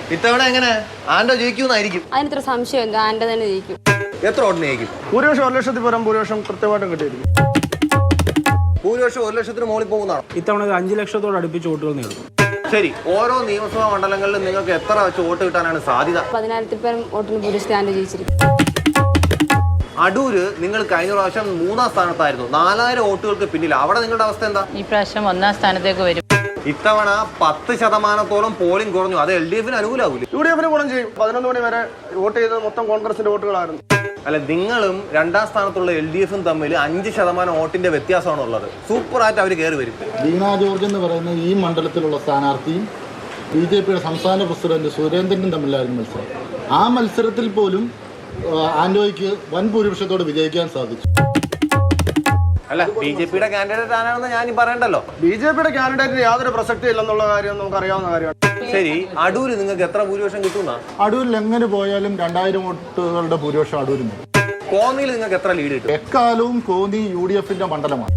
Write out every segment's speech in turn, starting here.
ഇത്തവണ എങ്ങനെ ആൻഡോ ജയിക്കുമെന്നായിരിക്കും? അതിനത്ര സംശയം ആൻഡോ തന്നെ ജയിക്കും. എത്ര വോട്ടിന് ജയിക്കും? ഭൂരിപക്ഷം 1 ലക്ഷത്തിൽ പരം ഭൂരിപക്ഷം കൃത്യമായിട്ടും കിട്ടിയിരിക്കും. ഭൂരിപക്ഷം 1 ലക്ഷത്തിന് മുകളിൽ പോകുന്നതാണ്. ഇത്തവണ 5 ലക്ഷത്തോട് അടുപ്പിച്ച് വോട്ടുകൾ നേടും. ശരി, ഓരോ നിയമസഭാ മണ്ഡലങ്ങളിലും നിങ്ങൾക്ക് എത്ര വെച്ച് വോട്ട് കിട്ടാനാണ് സാധ്യത? 10,000-ൽ പരം വോട്ടിന് ഭൂരിപക്ഷത്തിൽ ആൻഡോ ജയിച്ചിരിക്കും. അടൂര് നിങ്ങൾ കഴിഞ്ഞ പ്രാവശ്യം 3ാം സ്ഥാനത്തായിരുന്നു, 4000 വോട്ടുകൾക്ക് പിന്നിൽ. അവിടെ നിങ്ങളുടെ അവസ്ഥ എന്താ? ഈ പ്രാവശ്യം 1ാം സ്ഥാനത്തേക്ക് വരും. ഇത്തവണ 10% പോളിംഗ് കുറഞ്ഞു. അത് LDF-ന് അനുകൂലമാകൂലേ? UDF-ന് ഗുണം ചെയ്യും. 11 മണി വരെ വോട്ട് ചെയ്തത് മൊത്തം കോൺഗ്രസിന്റെ വോട്ടുകളായിരുന്നു. അല്ല, നിങ്ങളും 2ാം സ്ഥാനത്തുള്ള LDF-ഉം തമ്മിൽ 5% വോട്ടിന്റെ വ്യത്യാസമാണ് ഉള്ളത്. സൂപ്പറായിട്ട് അവർ കയറി വരും. വീണ ജോർജ് എന്ന് പറയുന്ന ഈ മണ്ഡലത്തിലുള്ള സ്ഥാനാർത്ഥിയും BJPയുടെ സംസ്ഥാന പ്രസിഡന്റ് സുരേന്ദ്രനും തമ്മിലായിരുന്നു മത്സരം. ആ മത്സരത്തിൽ പോലും ആൻഡോയ്ക്ക് വൻ ഭൂരിപക്ഷത്തോടെ വിജയിക്കാൻ സാധിച്ചു. അല്ല, BJPയുടെ കാൻഡിഡേറ്റ് ആരാണെന്ന് ഞാൻ പറയണ്ടല്ലോ. BJPയുടെ കാൻഡിഡേറ്റിന് യാതൊരു പ്രസക്തി ഇല്ലെന്നുള്ള കാര്യം നമുക്ക് അറിയാവുന്ന കാര്യമാണ്. ശരി, അടൂര് നിങ്ങൾക്ക് എത്ര ഭൂരിപക്ഷം കിട്ടുന്ന? അടൂരിൽ എങ്ങനെ പോയാലും 2000 വോട്ടുകളുടെ ഭൂരിപക്ഷം അടൂരിന്. കോന്നിയിൽ നിങ്ങൾക്ക് എത്ര ലീഡ് കിട്ടും? എക്കാലവും കോന്നി UDF-ന്റെ മണ്ഡലമാണ്.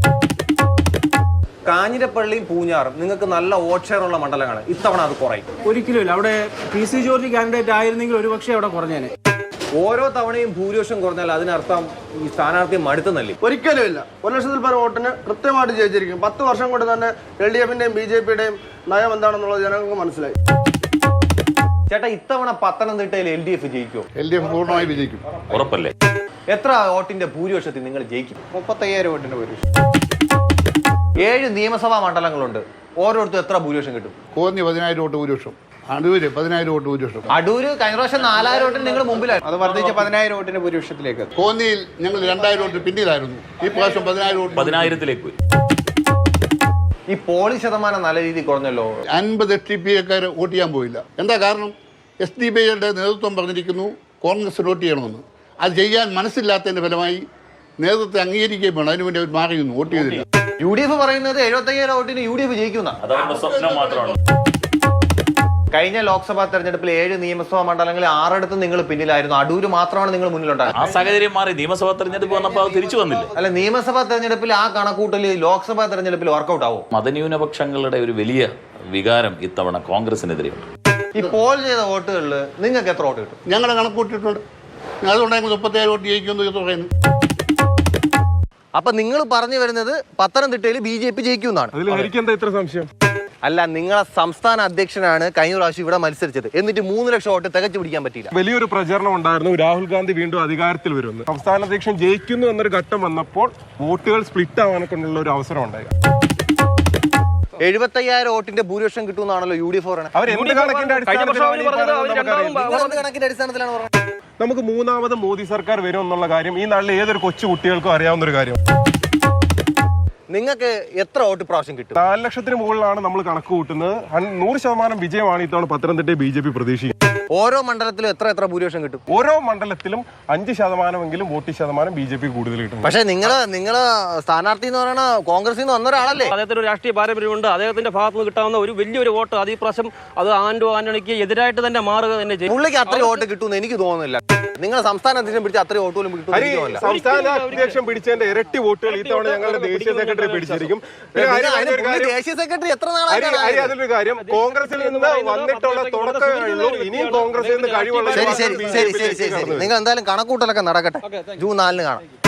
കാഞ്ഞിരപ്പള്ളിയും പൂഞ്ഞാറും നിങ്ങൾക്ക് നല്ല വോട്ട് ഷെയർ ഉള്ള മണ്ഡലങ്ങളാണ്. ഇത്തവണ അത് കുറയും. ഒരിക്കലുമില്ല. അവിടെ PC ജോർജ് കാൻഡിഡേറ്റ് ആയിരുന്നെങ്കിൽ ഒരുപക്ഷെ അവിടെ കുറഞ്ഞേനെ. ഓരോ തവണയും ഭൂരിപക്ഷം കുറഞ്ഞാൽ അതിനർത്ഥം ഈ സ്ഥാനാർത്ഥി മടുത്തുന്നല്ലേ? ഒരിക്കലും ഇല്ല. 1 ലക്ഷത്തിൽ പരം വോട്ടിന് കൃത്യമായിട്ട് ജയിച്ചിരിക്കും. 10 വർഷം കൊണ്ട് തന്നെ LDF-ന്റെയും BJPയുടെയും നയം എന്താണെന്നുള്ളത് ജനങ്ങൾക്ക് മനസ്സിലായി. ചേട്ടാ, ഇത്തവണ പത്തനംതിട്ടയിൽ LDF ജയിക്കുമോ? LDF പൂർണ്ണമായി വിജയിക്കും. ഉറപ്പല്ലേ? എത്ര വോട്ടിന്റെ ഭൂരിപക്ഷത്തിൽ നിങ്ങൾ ജയിക്കും? 35,000 വോട്ടിന്റെ ഭൂരിപക്ഷം. 7 നിയമസഭാ മണ്ഡലങ്ങളുണ്ട്. ഓരോരുത്തരും എത്ര ഭൂരിപക്ഷം കിട്ടും? കോന്നി 10,000 വോട്ട് ഭൂരിപക്ഷം. അടൂര് 10,000 വോട്ട് ഭൂരിപക്ഷം. അടൂര് കഴിഞ്ഞ പ്രാവശ്യം 4000 വോട്ടിന് നിങ്ങൾ മുമ്പിലാണ്. അത് വർദ്ധിച്ച് 10,000 വോട്ടിന്റെ ഭൂരിപക്ഷത്തിലേക്ക്. കോന്നിയിൽ ഞങ്ങൾ 2000 വോട്ട് പിന്നിലായിരുന്നു. ഈ പ്രാവശ്യം 10,000 വോട്ട് 10,000-ലേക്ക് പോയി. ഈ പോളിംഗ് ശതമാനം നല്ല രീതിയിൽ കുറഞ്ഞല്ലോ. 50 SDPക്കാർ വോട്ട് ചെയ്യാൻ പോയില്ല. എന്താ കാരണം? SDPയുടെ നേതൃത്വം പറഞ്ഞിരിക്കുന്നു കോൺഗ്രസ് വോട്ട് ചെയ്യണമെന്ന്. അത് ചെയ്യാൻ മനസ്സില്ലാത്തതിന്റെ ഫലമായി നേതൃത്വത്തെ അംഗീകരിക്കുകയും വേണം. അതിനുവേണ്ടി അവർ മാറിയിരുന്നു, വോട്ട് ചെയ്തില്ല. UDF പറയുന്നത് 75,000 വോട്ടിന് UDF ജയിക്കുന്ന. അതവരുടെ സ്വപ്നം മാത്രമാണ്. കഴിഞ്ഞ ലോക്സഭാ തെരഞ്ഞെടുപ്പിൽ 7 നിയമസഭാ മണ്ഡലങ്ങളിൽ 6 നിങ്ങൾ പിന്നിലായിരുന്നു. അടൂര് മാത്രമാണ് നിങ്ങൾ മുന്നിലുണ്ടായത്. ആ സാഹചര്യം മാറി. നിയമസഭാ തെരഞ്ഞെടുപ്പ് വന്നപ്പോൾ അത് തിരിച്ചു വന്നില്ല. അല്ല, നിയമസഭാ തെരഞ്ഞെടുപ്പിൽ ആ കണക്കൂട്ടൽ ലോക്സഭാ തെരഞ്ഞെടുപ്പിൽ വർക്കൗട്ട് ആവും. മതന്യൂനപക്ഷങ്ങളുടെ ഒരു വലിയ വികാരം ഇത്തവണ കോൺഗ്രസിനെതിരെയുണ്ട്. ഈ പോൾ ചെയ്ത വോട്ടുകളിൽ നിങ്ങൾക്ക് എത്ര വോട്ട് കിട്ടും? ഞങ്ങളുടെ കണക്ക് കൂട്ടിയിട്ടുണ്ട്. അതുകൊണ്ടാണ് 37 വോട്ട് ജയിക്കുമെന്ന് പറയുന്നത്. അപ്പൊ നിങ്ങൾ പറഞ്ഞു വരുന്നത് പത്തനംതിട്ടയിൽ BJP ജയിക്കുമെന്നാണ്. എന്താ ഇത്ര സംശയം? അല്ല, നിങ്ങളെ സംസ്ഥാന അധ്യക്ഷനാണ് കഴിഞ്ഞ പ്രാവശ്യം ഇവിടെ മത്സരിച്ചത്. എന്നിട്ട് 3 ലക്ഷം വോട്ട് തികച്ചു പിടിക്കാൻ പറ്റിയില്ല. വലിയൊരു പ്രചരണം ഉണ്ടായിരുന്നു, രാഹുൽ ഗാന്ധി വീണ്ടും അധികാരത്തിൽ വരുമെന്ന്. സംസ്ഥാന അധ്യക്ഷൻ ജയിക്കുന്നു എന്നൊരു ഘട്ടം വന്നപ്പോൾ വോട്ടുകൾ സ്പ്ലിറ്റ് ആവാനൊക്കെയുള്ള ഒരു അവസരം ഉണ്ടായി. 75,000 വോട്ടിന്റെ ഭൂരിപക്ഷം കിട്ടുമെന്നാണല്ലോ UDF പറയുന്നത്. അവർ എന്ത് കണക്കിന്റെ അടിസ്ഥാനത്തിലാണ് പറയുന്നത്? നമുക്ക് 3ാമത് മോദി സർക്കാർ വരും എന്നുള്ള കാര്യം ഈ നാട്ടിലെ ഏതൊരു കൊച്ചു കുട്ടികൾക്കും അറിയാവുന്ന ഒരു കാര്യം. നിങ്ങൾക്ക് എത്ര വോട്ട് പ്രാവശ്യം കിട്ടും? 4 ലക്ഷത്തിന് മുകളിലാണ് നമ്മൾ കണക്ക് കൂട്ടുന്നത്. 100% വിജയമാണ് ഇത്തവണ പത്തനംതിട്ട BJP പ്രതീക്ഷിക്കുന്നത്. ഓരോ മണ്ഡലത്തിലും എത്ര ഭൂരിപക്ഷം കിട്ടും? ഓരോ മണ്ഡലത്തിലും 5% വോട്ട് ശതമാനം BJP കൂടുതൽ കിട്ടും. പക്ഷേ നിങ്ങള് സ്ഥാനാർത്ഥി എന്ന് പറയുന്ന കോൺഗ്രസിൽ നിന്ന് വന്ന ഒരാളല്ലേ? അദ്ദേഹത്തിന് ഒരു രാഷ്ട്രീയ പാരമ്പര്യമുണ്ട്. അദ്ദേഹത്തിന്റെ ഭാഗത്ത് നിന്ന് കിട്ടാവുന്ന ഒരു വലിയൊരു വോട്ട് അത് ഈ പ്രാവശ്യം അത് ആന്റണിക്ക് എതിരായിട്ട് തന്നെ മാറുക തന്നെ ചെയ്യും. പുള്ളിക്ക് അത്ര വോട്ട് കിട്ടുമെന്ന് എനിക്ക് തോന്നുന്നില്ല. നിങ്ങൾ സംസ്ഥാന അധ്യക്ഷൻ പിടിച്ച അത്ര വോട്ട് പോലും കിട്ടും. സംസ്ഥാന അധ്യക്ഷൻ പിടിച്ചതിന്റെ ഇരട്ടി വോട്ടുകൾ ഇത്തവണ ഞങ്ങളുടെ ദേശീയ സെക്രട്ടറി പിടിച്ചിരിക്കും. ദേശീയ സെക്രട്ടറി എത്ര അതിലൊരു കാര്യം, കോൺഗ്രസിൽ നിന്ന് വന്നിട്ടുള്ള തുടക്കമേ ഉള്ളൂ. ഇനിയും കോൺഗ്രസിൽ നിന്ന് കഴിവുള്ള. ശരി, നിങ്ങൾ എന്തായാലും കണക്കൂട്ടലൊക്കെ നടക്കട്ടെ. ജൂൺ 4 കാണാം.